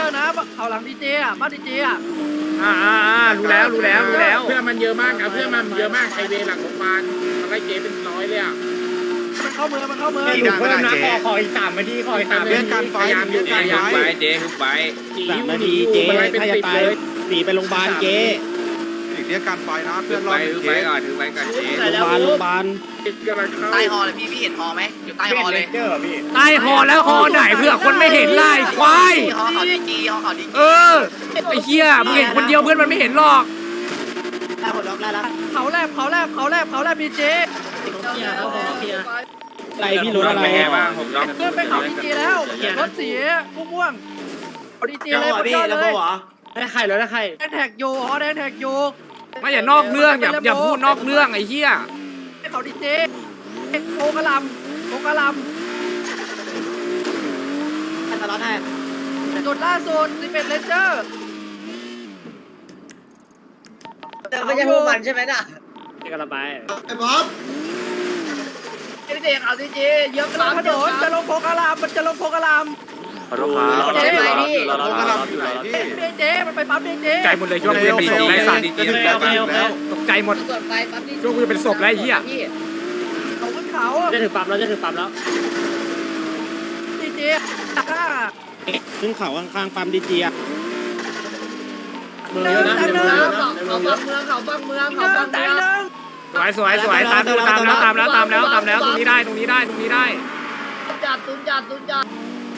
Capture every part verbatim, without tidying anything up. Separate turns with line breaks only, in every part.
อร์นะเขาหลังดีเจอ่ะบ้านดีเจอ่ะ
อ่าอ่าอ่ารู้แล้วรู้แล้วรู้แล้ว
เพื่อนมันเยอะมากนะเพื่อนมันเยอะมากไฮเวย์หลังโรงพยาบาลมันไล่เจ๊เป็นร้อยเลยอ่ะ
มันเข้าเมืองมันเข้าเมือง
หนูเพิ่มนะขอขออีกสามนาทีขออีกสามนาที
เรื่องการไฟเรื่องการไฟ
เจ๊ทุบไป
สามนาทีเจ๊ถ้าจะตายหนีไปโรงพยาบาลเจ๊
อีกเรียกการไฟนะ
ถื
เพื่อ
อน
ร
ไป
อด
ถือไปก่อนถือไปก่อนเจ๊
โรงพยาบาลโรงพยาบาล
ใต้ฮอเลยพี่พี่เห็นฮอไหมอยู่ใต้ฮอเลย
ใต้หอแล้วหอไหนเพื่อคนไม่เห็นไล่ควาย
ฮอเขาดีจีฮอเขาดีจี
เออไอ้เหี้ยมึงเห็นคนเดียวเพื่อนมันไม่เห็นหรอก
เขาแลบเขาแลบเขาแลบเขาแลบดีเจ
อะไรพี่รู้อะไร
เป็นไงบ้างผมรอบ
เพื่อนไปเขาดีเจแล้วรถสีม่วงเขาดีเจเลยเขายอดเลย
ได้ใครแล้วได้ใคร
แดงแท็กโยฮอแดงแท็กโย
ไม่อย่านอกเรื่องอย่าอย่าพูดนอกเรื่องไอ้เหี้ย
เขาดีเจโอกระลำโอกระลำจุดล่าสุดสิบเอ็ดเลนเจอร์
แต่ไม่ใช่พวกมันใช่ไหมน่ะ
กระบาย
ไอ้บ๊อบ
ดีเจเขาดีเจเยอะกลางถนนจะลงโพกระลำมันจะลงโพกระลำ
ขอโทษครับ
เจ๊
โอ้กระลำอยู่ไหนพี่
ดีเจมันไปปั๊มดีเจ
ใจหมดเลยช่วงกูจะเป็นศพไร้สาร
ดีดีแล้วแล้ว
ตกใจหมด
ส่วนไปปั๊บนี่
ช่วงกูจะเป็นศพแล้วไอ้เหี้ย
เขาขึ้นเขา
จะถือปั๊มแล้วจะถือปั๊มแล้ว
ดีเจข้า
ขึ้นเขาข้างๆปั๊มดีจีอ่ะ
เมืองนะเมืองนะ
เขาบังเมืองเขาบังเมืองเขาบัง
แต่
เมือง
หนึ่ง
สวยสวยสวยตามตามแล้วตามแล้วตามแล้วตามแล้วตรงนี้ได้ตรงนี้ได้ตรงนี้ได้
จัดตุนจัดตุนจัด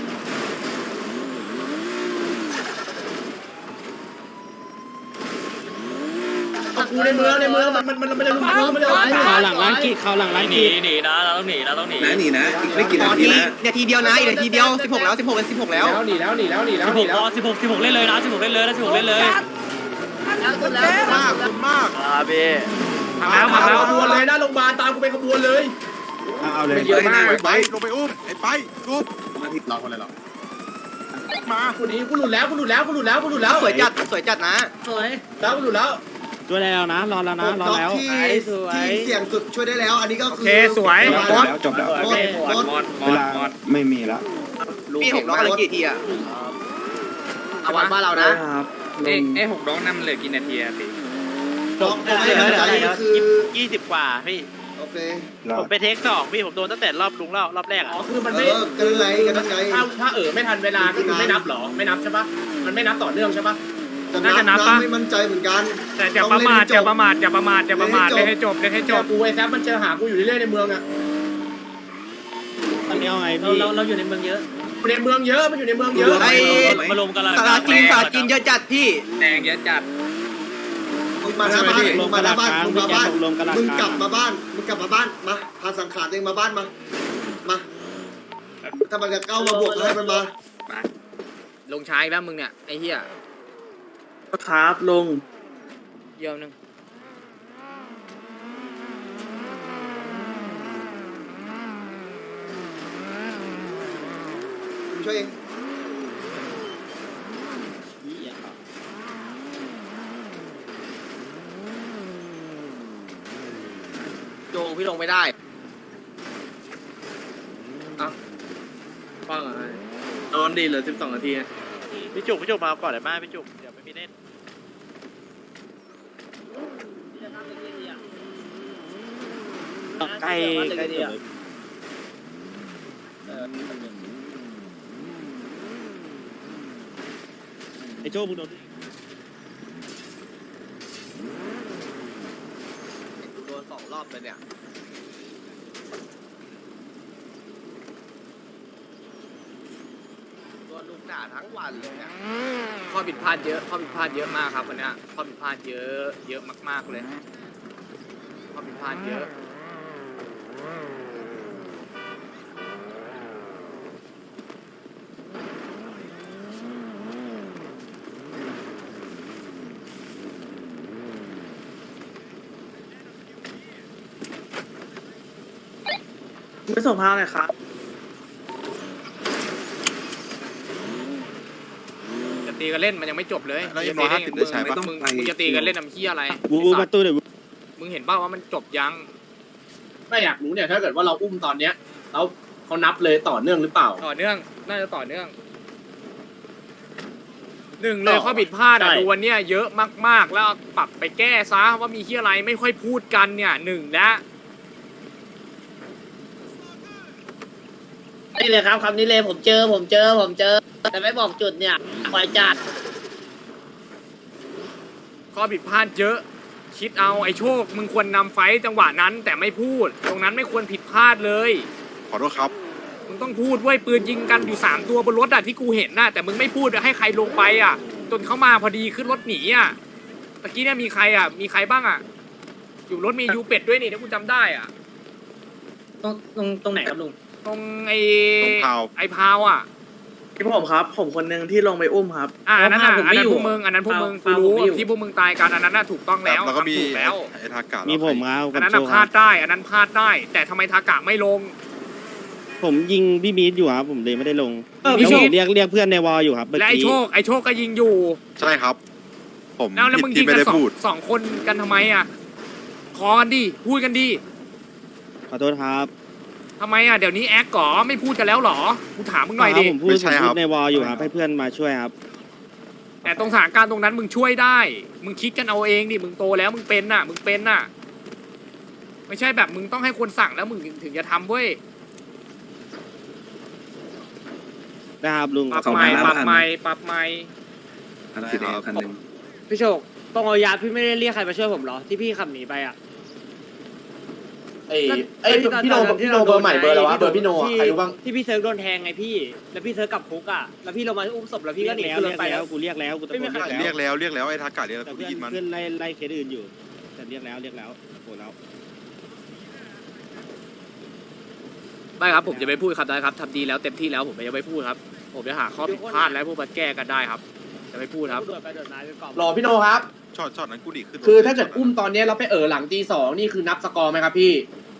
กูในเมืองในเมืองมันมันมันมันจะลุมมันจะเขาหลังร้านกีเขาหลังร้านกี
หนีนะเราต้องหนีเราต้องหนี
ไหนหนีนะอีกไม่กี่นาทีนะ
นาทีเดียวนะอีกนาทีเดียวสิบหกแล้วสิบหกเป็นสิบหกแล้ว
แล้วหนีแล้วหนีแล้วหนีแล้วหนีแล้ว
สิบหกสิบหกเล่นเลยนะสิบหกเล่นเลยนะสิบหกเล่นเลย
แล้วสุดแล้ว
มากคุณมาก
อาเบ้
มาแล้วมาแล้ว
ขบวนเลยหน้าโรงพยาบาลตามกูไปขบวนเลย
เอาเลยเยอะมากไปลงไปอุ้มไอ้ไปรูปมาทิศเราคนเลยหรอมา
กูหนีกูหลุดแล้วกูหลุดแล้วกูหลุดแล้วกูหลุดแล้ว
สวยจัดสวยจัดนะ
สวยแล้วกูหลุดแล้ว
ช่วยได้แล้วนะรอแล้วนะรอแล้ว
ที่ที่เสี่ยงสุดช่วยได้แล้ว อันนี้ก็
โอ
คือ
เคสวยบอส
จบแล้ว
รถรถ
มอดม
เว
อด
ลาม
อด
ไม่มีแล้ว
พี่หกน้องอะไรกี่ทีอะเอาวันบ้านเรานะ
เอ้เอ้หกน้องนั่นมันเหลือกี่นาทีอะสิ
น้องอะไรนะคือ
ยี่สิบกว่าพี่
โอเค
ผมไปเทคสองพี่ผมโดนตั้งแต่รอบลุงรอบรอบแรก
อ๋อคือมัน
เอ
ไม่
อกันไรกันไง
ถ้าถ้าเออไม่ทันเวลาก็คือไม่นับหรอไม่นับใช่ปะมันไม่นับต่อเนื่องใช่ปะ
ไม่มั่นใจเหมือนกัน
แต่อย่าประมาทอย่าประมาทอย่าประมาทอย่าประมาทเล่นให้จบเล่นให้จ
เจอบ กูไอ้แซฟมันเจอหากูอยู่เรื่อยๆในเมืองอ่ะ
ตอนนี้เอาไงพี่
เราเราอยู่ในเมืองเยอะในเมืองเยอะมันอยู่ในเมืองเยอะ
ไอ้
มาลงกันละ
สาราจีนสาราจีนเยอะจัดพี่
แดงเยอะจัด
มึงมาหน้าบ้านมึงมาหน้าบ้านมึงมาบ้าน
ลงกระดาษ
มึงกลับมาบ้านมึงกลับมาบ้านมาพาสังขารเองมาบ้านมามาถ้ามันจะเข้ามาบวกให้มันมา
ลงช้าอีกแล้วมึงเนี่ยไอ้เหี้ย
ครับลง
เยี่ยมนึง
กูช่วยเองโจงพี่ลงไม่ได้
ฟังอะไร
โดนดีเหลือสิบสองนาทีพี่จุกพี่จุกมาก่อนเลยมาพี่จุกเดี๋ยวไม่มีเล่น
ใกล้ใกล้เดียวไอ้โจ้มึงโดน
โดนสองรอบเลยเนี่ยโดนลูกด่าทั้งวันเลยเนี่ย
ข้อผิดพลาดเยอะข้อผิดพลาดเยอะมากครับวันนี้ข้อผิดพลาดเยอะเยอะมากๆเลยข้อผิดพลาดเยอะ
ไม่ส่งพาวเลยครับ
จะตีกันเล่นมันยังไม่จบเลย
แล้วยัง
จะตีได้
ร้อยห้าสิบได้ใช้ปะ
มึงมึงจะตีกันเล่นทำเหี้ยอะไร
บูบูประตูเดี๋ยว
มึงเห็นเปล่าว่ามันจบยัง
ไม่อยากรู้เนี่ยถ้าเกิดว่าเราอุ้มตอนเนี้ยแล้วเขานับเลยต่อเนื่องหรือเปล่า
ต่อเนื่องน่าจะต่อเนื่องหนึ่งเลยข้อผิดพลาดอ่ะ
ใช่
ดูวันเนี้ยเยอะมากๆ แล้วปรับไปแก้ซะว่ามีที่อะไรไม่ค่อยพูดกันเนี่ยหนึ่งและ
นี่เลยครับคำนี้เลยผมเจอผมเจอผมเจอ แต่ไม่บอกจุดเนี่ยปล่อยจัด
ข้อผิดพลาดเยอะ คิดเอาไอ้โชคมึงควรนำไฟต์จังหวะนั้นแต่ไม่พูด ตรงนั้นไม่ควรผิดพลาดเลย
ขอโทษครับ
มึงต้องพูดเว้ยปืนยิงกันอยู่สามตัวบนรถอะที่กูเห็นน่ะแต่มึงไม่พูดให้ใครลงไปอะจนเขามาพอดีขึ้นรถหนีอะตะกี้เนี่ยมีใครอะมีใครบ้างอะอยู่รถมียูเป็ดด้วยนี่ถ้ากูจำได้อะ
ตรงตรงตรงไหนครับลุง
ตรงไอ้
ตรงพาว
ไอ้พาวอะ
พี่ผมครับ ผมคนหนึ่งที่ลงไปอุ้มครับ
อ่ะอันนั้นอะ
ผม
อัน
ไม่
นั้น
อยู่
พวกมึงอันนั้นพวกมึงกู
พาว
รู้
ผมไม่อยู่
ที่พวกมึงตายกันอันนั้นน่ะถูกต้องแล้ว
แล้วก็มี
ทำถูกแล้ว
ไอ้ทากา
มี
มี
ผมครับ
อันนั้น
กับ
น่ะ
โช
พลา
ค
ดได้ อันนั้นพลาดได้ แต่ทำไมทากะไม่ลง
ผมยิงพี่มีดอยู่ครับผมเลยไม่ได้ลง
เออ
แล้ว
พี่
ผม
โชค
เรียกเรียกเพื่อนในวอลอยู่ครับเมื่อ
และไอ้
กี้
โชคไอ้โชคก็ยิงอยู่
ใช่ครับ ผม
แล้วแล้ว
ผิด
มึงยิ
ที่
ง
ไม่
กัน
ได้
สอง
พูด
สองคนกันทำไมอ่ะขอกันดิพูดกันดิ
ขอโทษครับ
ทำไมอ่ะเดี๋ยวนี้แอคก่อไม่พูดกันแล้วเหรอกูถามมึงหน่อย
ครั
ดิ
บผมพูดผมพูดในวอลอยู่ครับให้เพื่อนมาช่วยครับ
แต่ตรงสถานการณ์ตรงนั้นมึงช่วยได้ มึงคิดกันเอาเองดิมึงโตแล้วมึงเป็นน่ะ มึงเป็นน่ะ ไม่ใช่แบบมึงต้องให้คนสั่งแล้วมึงถึงจะทำเว้ย
นะครับลุง
ปรับใหม่ปรับใหม่ปรับใหม่
สีแดงคันหนึ่ง
พี่โชคตรงเอายาพี่ไม่ได้เรียกใครมาช่วยผมเหรอที่พี่ขับหนีไปอ่ะ
ไอ้ไอ้พี่โนพี่โนเบอร์ใหม่เบอร์อะไรวะเบอร์พี่โนอะใครรู้บ้าง
ที่พี่เซิร์ฟโดนแทงไงพี่ แล้วพี่เซิร์ฟกลับคุกอ่ะแล้วพี่ลงมาอุ้มศพแล้วพี่
เรี
ก็
ยก
หนี
แล้ว
ขึ้นร
เรี
ถ
ยก
ไป
แล้
แล้ว ว
กูเรียกแล้วกูตะโกน
ไม่มีใคร
เรียก
เรี
แล้
ยว กแล้วเรียกแล้วไอ้ทากาเรียกแล้ว
แต่
กู
เพื่อน
ยินมัน
เพื่อนไล่ไล่เคสอื่นอยู่แต่เรียกแล้วเรียกแล้วโอ้แล้ว
ไม่ครับผมจะไม่พูดครับได้ครับทำดีแล้วเต็มที่แล้วผมจะไม่พูดครับ ผมจะหาข้อผิดพลาดและพวกมาแก้กันได้ครับ จะไม่พูดครับ
โดดไปโดดมาไปก่อน
รอพี่โนครับ
ช็อตช็อตนั้นกูดีขึ้น
คือถ้าเกิดอุ้มตอนนี้เราไปเออหลังตีสองนี่คือนับสกอร์ไหมครับพี่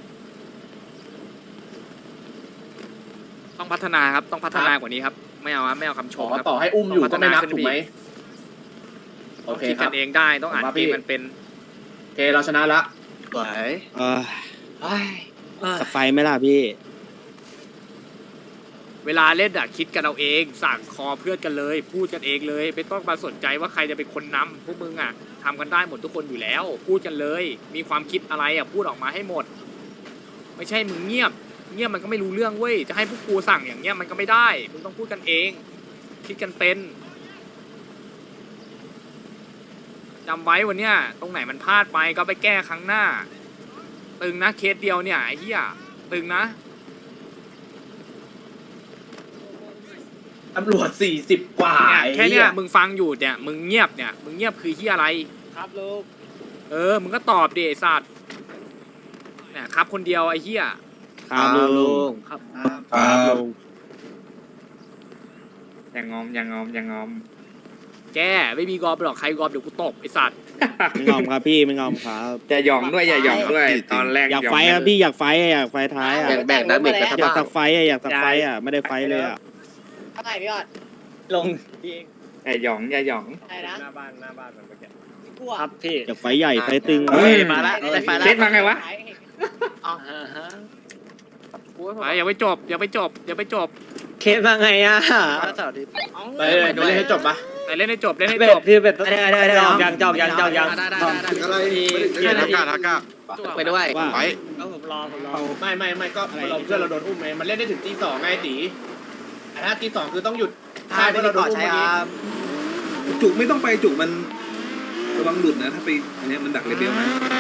ต้องพัฒนาครับต้องพัฒนากว่านี้ครับ ไม่เอาครับไม่เอาคำช
ขอ
มครับ
ต่อให้อุ้มอยู่ก็ไม่นับถูกไหมโอ
ต้อง
เค
คิด
ค
กั
รับ
นเองได้ต้องอ่าน
ผมว่า
เก
พี่
มมันเป็น
โอเคเราชนะละ
สวย
เออสักไฟไหมล่ะพี่
เวลาเล่นอะคิดกันเอาเองสั่งคอเพื่อนกันเลย พูดกันเองเลย ไม่ต้องมาสนใจว่าใครจะเป็นคนนำพวกมึงอะทำกันได้หมดทุกคนอยู่แล้ว พูดกันเลย มีความคิดอะไรอะพูดออกมาให้หมด ไม่ใช่มึงเงียบ เงียบมันก็ไม่รู้เรื่องเว้ยจะให้พวกกูสั่งอย่างเงี้ยมันก็ไม่ได้มึงต้องพูดกันเอง คิดกันเป็นจำไว้วันเนี้ยตรงไหนมันพลาดไปก็ไปแก้ครั้งหน้า ตึงนะเคสเดียวเนี่ยไอ้เหี้ยตึงนะ
ตำรวจสี่สิบกว่า
เนี่ยแค่เนี้ย
ไอ้หี้
มึงฟังอยู่เนี่ยมึงเงียบเนี่ยมึงเงียบคือที่อะไร
ครับลูก
เออมึงก็ตอบดิไอ้สัตว์เนี่ยครับคนเดียวไอ้เหี้ย
ครับลุง
ครับ
ครับลุง
อย่างงอมอย่างงอมอย่างงอม
แกไม่มีกอบหรอกใครกอบเดี๋ยวกูตบไอ้สัตว์
ไม่งอมครับพี่ไม่งอมครับ
อย่าหยองด้วยอย่าหยองด้วยตอนแรก
อยากไฟครับพี่อยากไฟอะอยากไฟท้ายอะ
แบ่งๆนะเบรกกันครับ
อยากสักไฟอะอยากสักไฟอะไม่ได้ไฟเลยอะ
เท่าไหร่พี่ออดลงพี่เอง
อย่าหยองอย่าหยอง
อะไรนะ
หน้าบ้านหน้าบ้านมันเมื่อกี้
กลัวครับพี่
อยากไฟใหญ่ไฟตึง
เฮ้ย
มาละได้ไฟละ
เคสมาไงวะ
อ่าฮะ
ไปอย่าไปจบอย่าไปจบอย่าไปจบ
เคสมาไงอ่ะ
เสาร์อาทิตย์
ไปเลยเดี๋ยวเล่นให้จบปะ
แต่เล่นให้จบเล่นให้
เบ็
จ
ด
บ
พี่เบ็ด
ได้ได้ได้
จอกยังจอกยังจอกยัง
ถึงอะไร
ไอ้ทากาทากา
ไปด้วย
ว่า
ไป
ก็ผมรอผมรอ
ไม่ไม่ไม่ก็เราเพื่อนเราโดนอุ้มไงมันเล่นได้ถึงตีสองไงตีแต่ถ้าตีสองคือต้องหยุดใช่เพื่อนเราโดนอุ้มเมื่อกี้
จุกไม่ต้องไปจุกมันระวังหลุดนะถ้าไปอันเนี้ยมันดักเลเบลนะ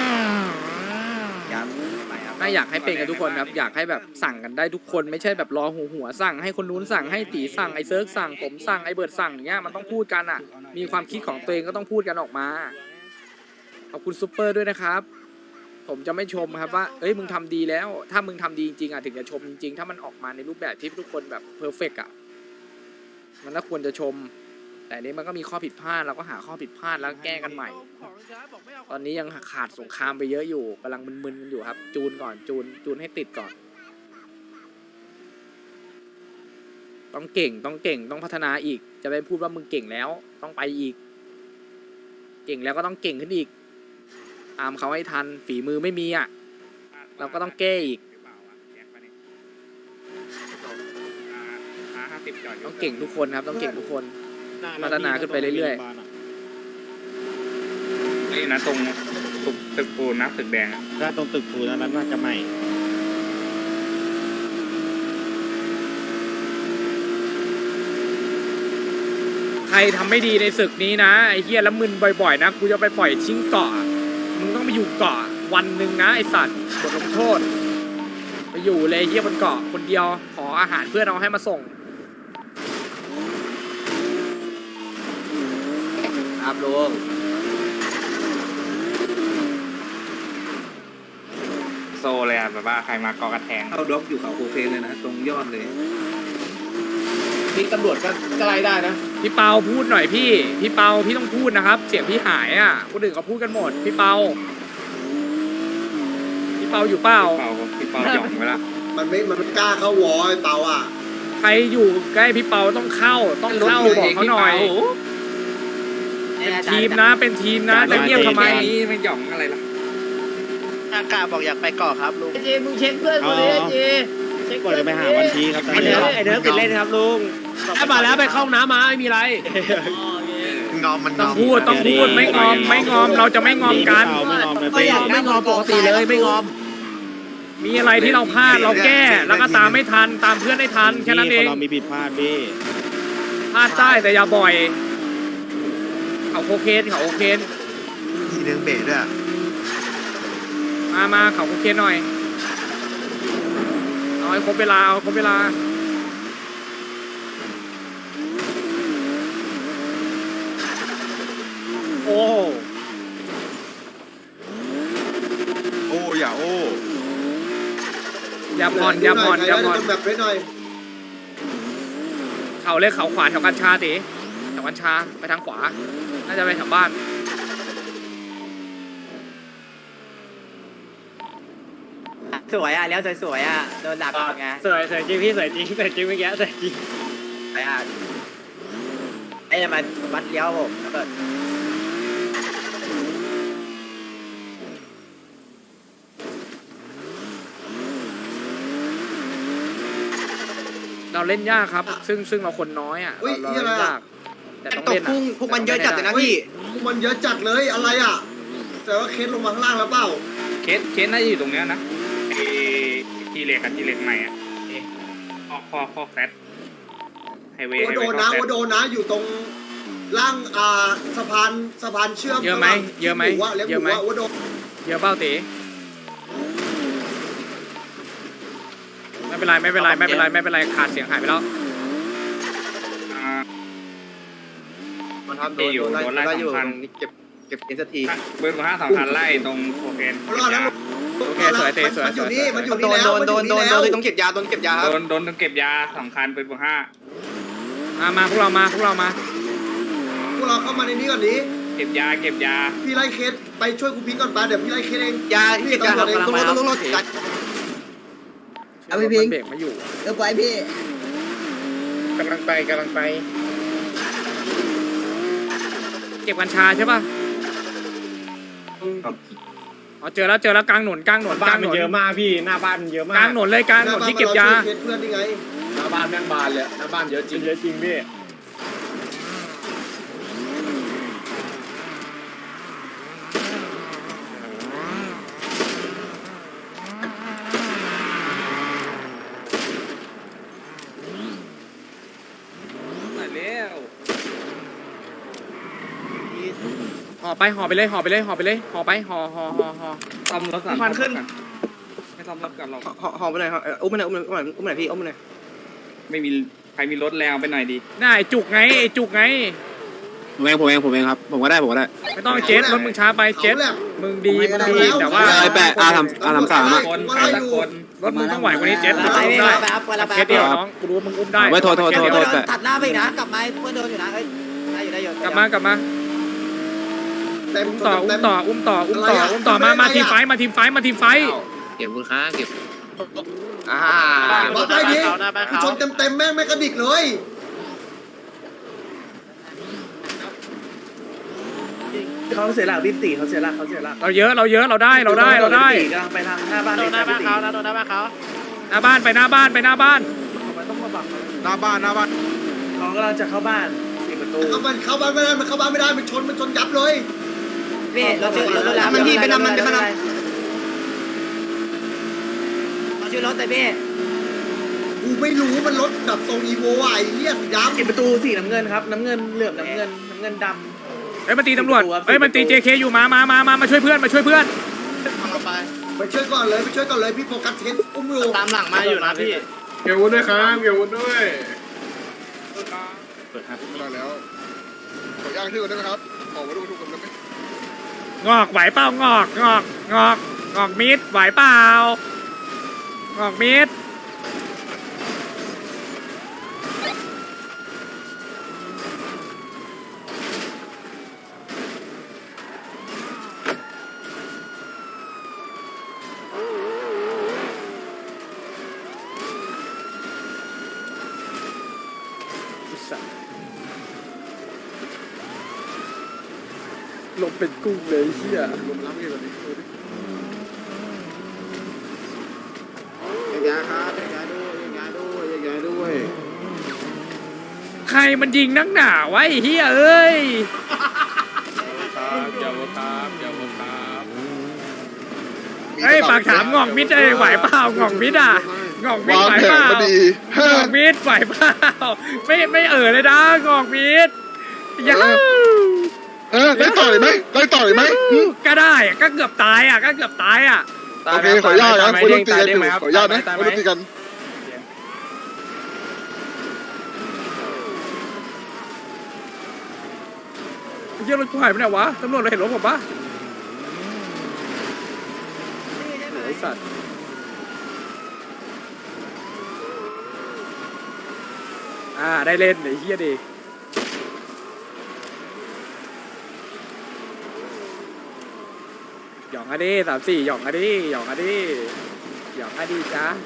ไม่อยากให้เป็นกันทุกคนครับอยากให้แบบสั่งกันได้ทุกคนไม่ใช่แบบรอหัวหัวสั่งให้คนนู้นสั่งให้ตีสั่งไอ้เซิร์กสั่งผมสั่งไอ้เบิร์ดสั่งอย่างเงี้ยมันต้องพูดกันอ่ะ มีความคิดของตัวเองก็ต้องพูดกันออกมาขอบคุณซุปเปอร์ด้วยนะครับ ผมจะไม่ชมครับว่าเอ้ยมึงทำดีแล้ว ถ้ามึงทำดีจริงๆอ่ะถึงจะชมจริงๆถ้ามันออกมาในรูปแบบที่ทุกคนแบบเพอร์เฟกต์อ่ะมันก็ควรจะชม แต่นี้มันก็มีข้อผิดพลาดเราก็หาข้อผิดพลาดแล้วแก้กันใหม่ ตอนนี้ยังขาดสงครามไปเยอะอยู่กำลังมึนๆกันอยู่ครับ จูนก่อนจูนจูนให้ติดก่อน ต้องเก่งต้องเก่งต้องพัฒนาอีก จะไปพูดว่ามึงเก่งแล้ว ต้องไปอีก เก่งแล้วก็ต้องเก่งขึ้นอีกตามเขาให้ทันฝีมือไม่มีอ่ะ เราก็ต้องแก้อีก ต้องเก่งทุกคนครับ ต้องเก่งทุกคนพัฒนาขึ้นไปเรื่อย
นี่นะตรงตึกตึกปูนนะตึกแดงถ้าตรงตึกปูนนั้นน่าจะใหม่
ใครทำไม่ดีในศึกนี้นะไอ้เหี้ยแล้วมึนบ่อยๆนะกูจะไปปล่อยทิ้งเกาะมึงต้องไปอยู่เกาะวันหนึ่งนะไอ้สัตว์บทลงโทษไปอยู่เลยไอ้เหี้ยบนเกาะคนเดียวขออาหารเพื่อนเอาให้มาส่งครับลุงโซเลยอ่ะแบบว่าใครมากอกระแทง
เอาด็อกอยู่เขาโคเคนเลยนะตรงยอดเลย
นี่ตำรวจก็ก็ไล่ได้นะ
พี่เปาพูดหน่อยพี่พี่เปาพี่ต้องพูดนะครับ เสียงพี่หายอ่ะคนอื่นเขาพูดกันหมดพี่เปาพี่เปาอยู่เปล่า
เปาพี่เปาหย่องไปละ
มันไม่มันไม่กล้าเข้าวอไอ้เปาอ่ะ
ใครอยู่ใกล้พี่เปาต้องเข้าต้องเข้าบอกเขาหน่อยเป็นทีมนะเป็นทีมนะจะเงียบทำไม
นี่ไม่หย่องอะไรล่ะ
อากาบอกอยากไปเกาะครับลุง
ไอ้เจมึงเช็คเพื่อนกูดิไอ้เจเช็ค
ก่อน
เพื่อน
จะไปหาวันทีครับ
ไอเดิร์ไอเดิร์ติดเล่นครับลุง
มาแล้วไปเข้าน้ำมาไม่มีไร
งอมมันง
ต้อ
อง ม
พูดต้องพูดไม่งอมไม่งอมเราจะไม่งอมกัน
ไม่งอมเลย
ไม่อยากไม่งอมปกติเลยไม่งอม
มีอะไรที่เราพลาดเราแก้แล้วก็ตามไม่ทันตามเพื่อนให้ทันแค่นั้นเอง
เรามีผิดพลาดพี่
พลาดได้แต่อย่าบ่อยเขาโคเคนเขาโคเคน
สีเดืองเบรด้วย
มามาเขาโคเคนหน่อยเอาให้ครบเวลาเอาให้ครบเวลา
โอ้
โอ้อย่าโอ้
อย่าผ่อนอย่าผ่อนอย่าผ่อน
ใครได้แบบไว้หน่อย
เขาเลยเขาขวาแถวกัญชาตีแถวกัญชาไปทางขวา น่าจะไปแถวบ้าน
สวยอ่ะแล้วสวยๆอ่ะโดนดักไง
สวยสวยจริงพี่สวยจริงสวยจริงเมื่อกี้สวยจริง
ไปอ่ะไอ้จะมาวัดเลี้ยวผมแล้วก็
เราเล่นยากครับ ซึ่งซึ่งเราคนน้อยอ่ะ
อุ้ย
เรา
นี่อะไร
เล่น
อ่ะ
ยากแต่ต้องเล่นอ่ะ
พวกมันเยอะจัดเลยนะพี่
พวกมันเยอะจัดเลยอะไรอ่ะ แต่ว่าเคสลงมาข้างล่างแล้วเปล่า
เคสเคสน่าจะอยู่ตรงเนี้ยนะไอ้ทีเล็กกับทีเล็กใหม่อ่ะออกคอคอแฟตไฮเวย์
ว่าโดนนะว่าโดนนะอยู่ตรงล่างอ่าสะพานสะพานเชื่อม
เยอะไหมเยอะไหม
ว่าเลี้ยง
เย
ห
อะไหม
มูว่าว่าโดน
เยอะเป้าตีไม่เป็นไรไม่เป็นไรไม่เป็นไรไม่เป็นไรขาดเสียงหายไปแล้ว
มันทำโดนโดนไล่ไล่อยู่เก็บเก็บเอ็นที
เบอร์ห้าสองคันไล่ตรงโคเคน
รอดแล้ว
โอเคสวยเตะสวย
มันอยู่
สวย
นี่มันอยู่
โด
นี่
น
แล้ว
โดนโดนโดน
มั
โด
อยู่
นต้องเก็บยาโดนเก็บยาค
โด
รับ
นโดนเก็บยาสองคันเป็นเบอร์ห้า
มามาพวกเรามาพวกเรามา
พวกเราเข้ามาในนี้ก่อนนี้
เก็บยาเก็บยา
พี่ไล่เคสไปช่วยกูพิงก่อนไปเดี๋ยวพี่ไล่เคสเอง
ยาเก็บยาครับต้องรถต้องรถ
เอาพี่พิงเบรกไม่อยู่
เออไปพี่
กำลังไปกำลังไป
เก็บกัญชาใช่ป่ะอ๋อเจอแล้วเจอแล้วกลางหนุนกลางหนุนก
บ้า
ลาน งห
มัน
นุน
เยอะมากพี่หน้าบ้านมันเยอะมาก
กลางหนุนเลยกลางหนุนที่เก็บยา
หน้บ้นมรช่วเคสเพื่อนนี่ไง
หน้าบ้านแม่งบานเลยหน้าบ้านเยอะจริง
เยอะจริงพี่
ห่อไปห่อไปเลยห่อไปเลยห่อไปเลยห่อไปห่อห่อห่อห่อ
ซ่อมรถก่อน
ควันขึ้น
ไม่ซ่อมรถก่อนเรา
ห่อห่อไปหน่อยครับอุ้มไปหน่อยอุ้มไปหน่อยอุ้มไปหน่อยพี่อุ้มไปหน่อย
ไม่มีใครมีรถแล้วไปหน่อยดี
น่าไอจุกไงไอจุกไง
ผมเองผมเองผมเองครับผมก็ได้ผมก็ได้
ไม่ต้องเจ็ตรถมึงช้าไปเจ็ต
เขาแหละ
มึงดีมึงดีแต่ว่า
ไอ้แปะอาทำอาทำสามอ่ะ
คนใครสักคน
รถมึงต้องไหวกว่านี้เจ็ตมึง
ไป
อุ้ม
พี่
ได้
ไปครับไปแล้วไป
เคสเดียวน้องกูรู้ว่ามึงอุ้มได้
ไม่โทษโทษโทษโทษ
ตัดหน้าไปอีกนะกลับมาเพื่อนโดนอยู่นะเอ้ยได้อยู่ได้อยู่
กลับมากลับมา
เต็ม
อุ้มต่ออุ้
เต็
ม
ม
ต่ออุ้มต่ออุ้มต่ออุ้มต่อมามาทีมไฟมาทีมไฟมาทีมไฟ
เก็บคุณค่าเก็บ
อ่า
บอกได้ดิกูชนเต็มเต็มๆแม่งไม่กระดิกเลย
เขาเสียหลักพี่ตีเขาเสียหลักเขาเสียหลัก
เราเยอะเราเยอะเราได้เราได้เราได้
กำลังไปทางหน้าบ้านโดนหน้าบ้านเขานะโดนหน้าบ้านเขา
หน้าบ้านไปหน้าบ้านไปหน้าบ้าน
ต้องมาบัง
หน้าบ้านหน้าบ้าน
เขากำลังจะเข้าบ้านสี่เปอร์
ประตู
เข้ามันเข้าบ้านไม่ได้มันเข้าบ้านไม่ได้มันชนมันชนยับเลย
พี่เราชื่อรถแล้ว
มันพี่ไปนำมันไปนำ
เราชื่อรถแต่พี่
กูไม่รู้มันรถแบบทรงอีโวอ่ะไอ้เหี้ยสีดำ
ปิดประตูสีน้ำเงินครับน้ำเงินเหลือบน้ำเงินน้ำเงินด
เอ้ยมันตีตำรวจเอ้ยมันตี เจ เค อยู่มามามามามาช่วยเพื่อนมาช่วยเพื่อน
ไปช่วยก่อนเลยไปช่วยก่อนเลยพี่โฟกัสเห็นอุ้มอยู่
ตามหลังมาอยู่นะพี่
เกี่ยววุ้นด้วยครับเกี่ยววุ้นด้วย
เปิดครับ
มาแล้วขออนุญาตชื่อก่อนได้ไหมครับขอมาดูทุกคนได้ไหม
งอกไหวเปล่างอกงอกงอกงอกมิดไหวเปล่างอกมิดลงเป็นกุ้งเลยเฮีย
รวมล้างเกี่ยวกับนี้ดูดิ
ยาครับยาด้วยยาด้วยยาด้วย
ใครมันยิงนักหนาวะไอ้เฮียเอ้ย
ครับเดี๋ยวครับเดี๋ยวครับ
เฮ้ยปากถามงอกมิดไอ้ไหวเปล่างอกมิดอ่ะงอกมิด
วาง
ไหว
แผ
เป
น
ล่า
มาดี
งอกมิดไหวเปล่าไม่ไม่เอ่อเลยนะงอกมิดยา
เออได้ต่อเลยไหมได้ต่อเลยไหม
ก็ได้อะก็เกือบตายอ่ะก็เกือบตายอ่ะ
โอเคขออนุญาตนะคุณต้องตีกันอยู่ขออนุญาตนะคุณต้องตีกัน
เยี่ยรถกูหายไปไหนวะตำรวจเราเห็นรถผมปะไอ้สัตว์อ่าได้เล่นไอ้เฮียดิหยองอะดิสามสี่หยองอะดิหยองอะดิหยองอะดิจ้า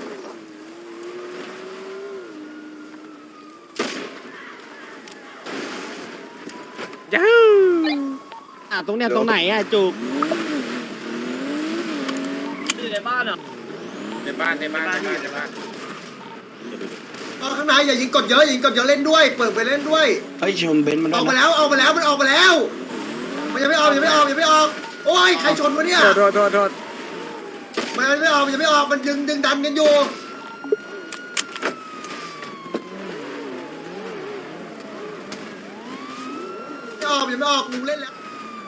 ย้าว
อ่ะตรงเนี้ยตรงไหนอ่ะจุก
อยู่ในบ้านเหรอ
ในบ้านในบ้านในบ้านในบ้าน
ตอนข้างในอย่ายิงกดเยอะยิงกดเยอะเล่นด้วยเปิดไปเล่นด้วย
เฮ้ยชมเบนซ์มัน
ออกมาแล้วออกมาแล้วมันออกมาแล้วมันยังไม่ออกยังไม่ออกยังไม่ออกโอ้ยใครชนวะเนี่ย
โทษโทษโทษโทษ
มันยังไม่ออกมันยังไม่ออกมันดึงดึงดันกันอยู่ไม่ออกยังไม่ออกลุงเล่นแล้ว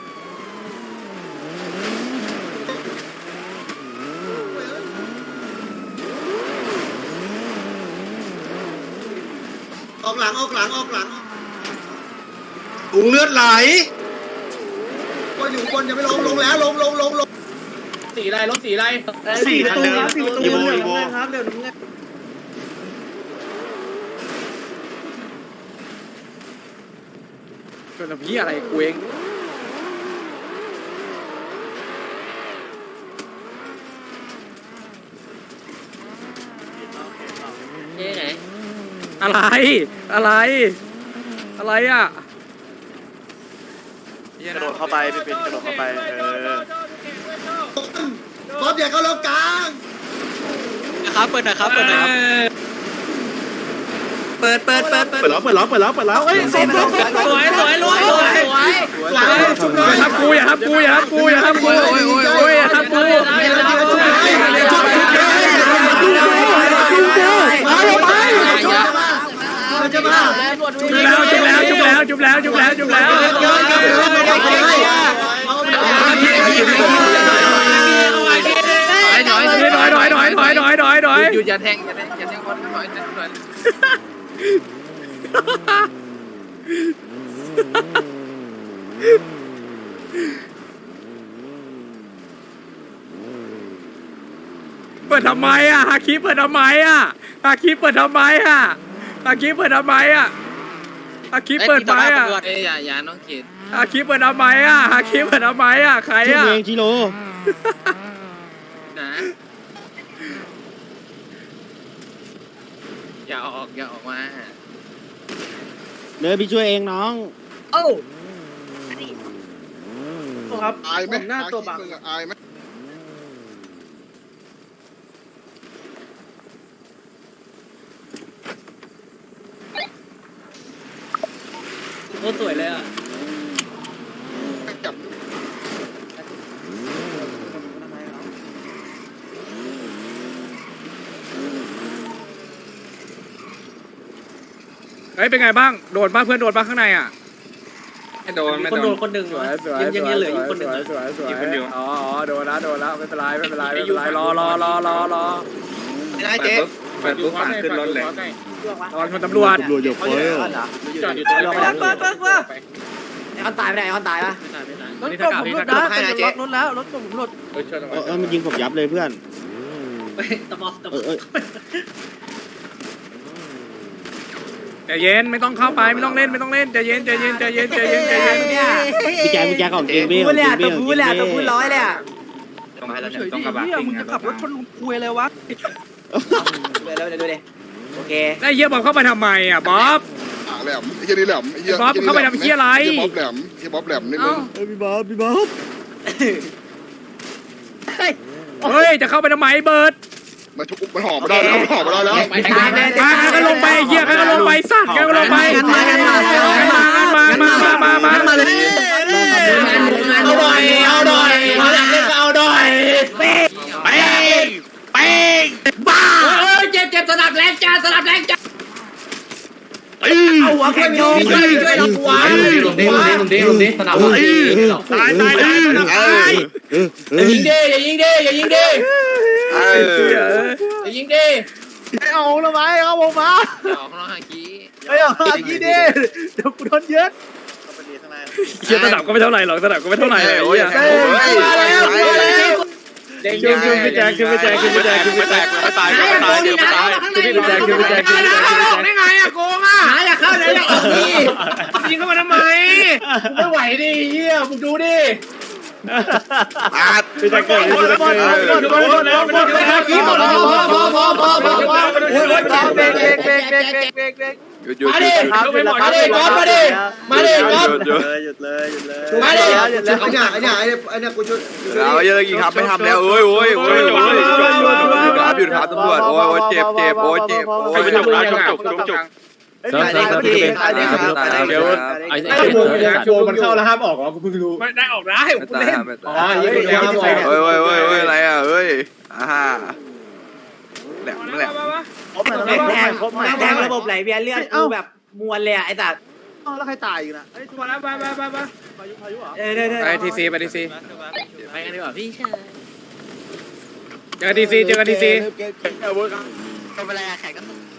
ออกหลังออกหลังออกหลัง
ถุงเลือดไหล
ก็อยู่บนยังไม่ลงลงแล้วลงลงลงลง
สีอะไรรถสีอะไร
สี่ประตูครับสี่ประตู
อีโว
เหลื
อี
อบ
โว
น้ำเงินครับเหลือบน้ำเงิน
เป็นแบบพี่อะไรกูเอง
นี่ไหน
อะไรอะไร อะไรอ่ะ
กระโดดเข้าไปพี่เป็นกระโดดเข้าไปเออ
บอสอย่าเข้าล็อกกลาง
นะครับเปิดหน่อยครับเปิดหน่อยครับ
เปิดเปิดเปิดเปิด
เปิดแล้วเปิดแล้วเปิดแล้วเปิดแล้วเอ้ย
สวยสวยรวยสวย
หลังชุบหน่
อ
อย
ย่าทำกูอย่าทำกูอย่าทำกูอย่าทำกูโอ้ยอย่าทำกู
มันจะมา
จุบแล้วจุบแล้วจุบแล้วจุบแล้วจุบแล้วจุบแล้วจุบแล้วถอยถอยถอยถอยถอยถอยถอย
หยุดอย่าแทงอย่าแทงอย่าแทงคนหน่อยหน่อย
เปิดทำไมอ่ะฮาคิเปิดทำไมอ่ะฮาคิเปิดทำไมอ่ะฮาคิเปิดทำไมอ่ะฮาคิเปิดไปอ่ะ
เอ้ยอย่าอย่าน้องเกด
ฮาคิเปิดทำไมอ่ะฮาคิเปิดทำไมอ่ะใครอ่ะ
เองจิโร่นะอย่าออกอย่าออกมาเดินไปช่วยเองน้อง
โอ้
ครับ
อายไหม
ผมหน้าตัวบัง
มึงอะอายไหม
โคตรสวยเลยอ่ะ
จับ
เฮ้ยเป็นไงบ้างโดนบ้างเพื่อนโดนบ้างข้างในอ่ะ
ไม่โดนไม่
คน
โด
โด
น
นคนหนึ่ง
สวยสวย
ยังยังยังเหลืออยู่คนหนึ่ง
สวยสวย
อีกคนเดียว
อ๋ออ๋อโดนแล้วโดนแล้วไม่เป็นไรไม่เป็นไรไม่เป็นไรรอรอรอรอรอ
ไม่ได้เจ๊
เปิดปุ๊บฝาขึ้นรถเลย
รอชนตำรวจ
ตำรวจยกเฟ้ย
จอดอยู่ตรงนี้
ไอ้คนตายไม่ได้ไอ้คนตายปะ
รถกบผมหลุดนะ
ให้นะเจ๊
รถแล้วรถกบผมหลุด
เฮ้ยช่วยหน่อย
เออมันยิงผมยับเลยเพื่อน
ตะบอสตะบ
เอ
อ
อ
ส
เออ
ใจเย็นไม่ต้องเข้าไปไม่ต้องเล่นไม่ต้องเล่นใจเย็นใจเย็นใจเย็นใจเย็นใจเย็น
พี่แจ๊คพี่แจ๊คของจริงพี่
พูดเลยอ่ะตัวพูดเลยอ่ะตัวพูดร้อยเลยอ่ะ
ตรงมาแล้วเนี่ยตรงกระบะซิ่งอะรถมา
คุยเลยวะ
เดี๋ยวเดี๋ยวดูดิโอเค
ไอ้เหี้ยบอมเข้าไปทำไมอ่ะบ๊อบ
อ่าแหลมไอ้เหี้ยนี่แหลมไอ้เหี้ย
บ๊อบเข้าไปทำเหี้ยอะไร
ไอ้บ๊อบแหลมไอ้บ๊อบแหลมนิดนึงเอ้ยพี่บ๊อบพี่บ๊อบ
เฮ้ยจะเข้าไปทำไมเบิร์ด
มันทุกมันห่อมาได้แล้วมันห่อมาได้แล้ว
มาใครก็ลงไปไอ้เหี้ยใครก็ลงไปสัตว์ใครก็ลงไปมามามามามามาเลย
เอาหน่อยเอาหน่อยเอาหลังเล่นเอาหน่อย
เป้งเป้ง
บ้าเฮ้ยเจ็บเจ็บสนับแรงจ้าสนับแรงจ้า
เอาหัวแค่โยนช่วยช่วยเราหัว
ลงดิลงดิลงดิลงดิสนับ
ตายตายตายตาย
อย่ายิงดิอย่ายิงดิอย่ายิงดิอย่ายิงดิ
ไม่เอาละไหมเอาผมมา
ออกนอกหากี้
ไม่เอาละกี้ดิเดี๋ยวกูโดนยึด
เชี่ยสนามก็ไม่เท่าไหร่หรอกสนามก็ไม่เท่าไหร่เลย
โอ้ย
เหี้ย
มาแล้วมาแล้ว
ขึ้นขึ้นพี่แจ๊คขึ้นพี่แจ๊คขึ้นพี่แจ๊คขึ้นพี่แจ๊ค
ไม่ตายไม่ตายเดี๋ยวไม่ตาย
ขึ้นพี่แจ๊คขึ้นพี่แจ๊คขึ้นพี่แจ๊คขึ้นพี่แจ๊ค
ได้ไงอะโกงอะหาอยากเข้าไหนอยากออกดิยิงเข้ามาทำไมไม่ไหวดิเฮียมึงดูดิ
อาด
พี่แจ๊คเกิดพี่แจ๊คเกิด
ขี้หมดแล้วพอพอพอพอพอ
โอ้ยเบรกเบรกเบรกเบรกเบรกเบรกเบรก
หยุดหยุด
มา
หยุ
ดิ
ด
มาดิก๊อฟมาดิมาดิก๊อฟ
หยุด
หยุดเลยหยุดเลย
มาดิ
หยุดเลย
ไอ้เนี่ยไอ้เนี่ยไอ้เนี่ยไอ้เนี่ยกูช่วยกูช่วย
เอาเยอะกี่ครับไม่ทำแล้วโอ้ยโอ้ยโอ้ยโอ้ยครับหยุดครับตำรวจโอ้ยโอ้ยเจ็บเจ็บโอ้ยเจ็บโอ้ย
ไปจุกนะจุกจุกจุกจุก
ตายดีครับพี่ตายดีครับตายดีครับ
ไอ้
ไอ้วงเนี่ยวงมันเข้าแล้วห้ามออกเหรอกูเพิ่งรู้
ไม่ได้ออกได้
ไม่ตายไม่ตาย
อ๋อยี่สิบห้ามออก
เฮ้ยเฮ้ยเฮ้ยเฮ้ยอะไรอ่ะเฮ้ยอ่าแหลมแหลม
แทงแทงแทงระบบไหลเวียนเลือดกูแบบมวลเลยอ่ะไอ้สัตว์
แล้วใครตายอีกนะ
มาแล้วไปไปไปไป
พายุพายุเหรอ
เด้อเด้อเด้อ
ไปทีซีไปทีซี
ไปกันดีกว่าพี่
เจอทีซีเจอกันทีซี
ไม่เป็นไรแข่งกัน